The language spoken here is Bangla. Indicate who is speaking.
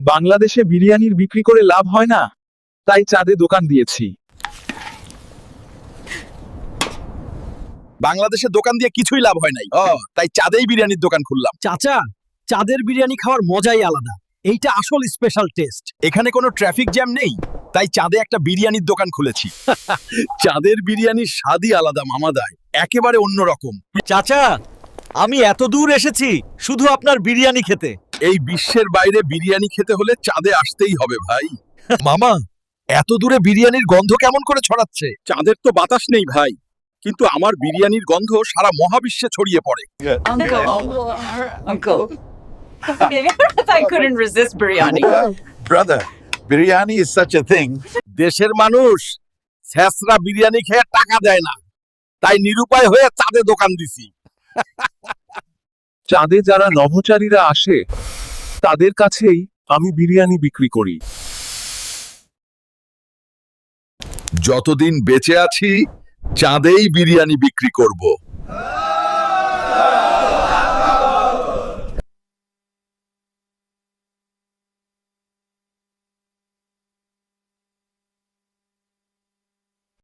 Speaker 1: বাংলাদেশে বিরিয়ানির বিক্রি করে লাভ হয় না, তাই চাঁদে দোকান দিয়েছি।
Speaker 2: বাংলাদেশে দোকান দিয়ে কিছুই লাভ হয় নাই, তাই চাঁদেই বিরিয়ানির দোকান খুললাম।
Speaker 3: চাচা, চাঁদের বিরিয়ানি খাওয়ার মজাই আলাদা। এইটা আসল স্পেশাল টেস্ট।
Speaker 2: এখানে কোনো ট্রাফিক জ্যাম নেই, তাই চাঁদে একটা বিরিয়ানির দোকান খুলেছি। চাঁদের বিরিয়ানির স্বাদই আলাদা মামাদায়, একেবারে অন্যরকম।
Speaker 3: চাচা, আমি এত দূর এসেছি শুধু আপনার বিরিয়ানি খেতে।
Speaker 2: এই বিশ্বের বাইরে বিরিয়ানি খেতে হলে চাঁদে আসতেই হবে ভাই। মামা, এত দূরে বিরিয়ানির গন্ধ কেমন করে ছড়াচ্ছে? চাঁদের তো বাতাস নেই ভাই, কিন্তু আমার বিরিয়ানির গন্ধ সারা মহাবিশ্বে ছড়িয়ে পড়ে।
Speaker 4: Uncle. I couldn't resist biryani.
Speaker 5: Brother, biryani is such a thing.
Speaker 2: দেশের মানুষ ছেঁচড়া বিরিয়ানি খেয়ে টাকা দেয় না, তাই নিরুপায় হয়ে চাঁদে দোকান দিছি।
Speaker 1: চাঁদে যারা নভোচারীরা আসে তাদের কাছেই আমি বিরিয়ানি বিক্রি করি।
Speaker 2: যতদিন বেঁচে আছি চাঁদেই বিরিয়ানি বিক্রি করব।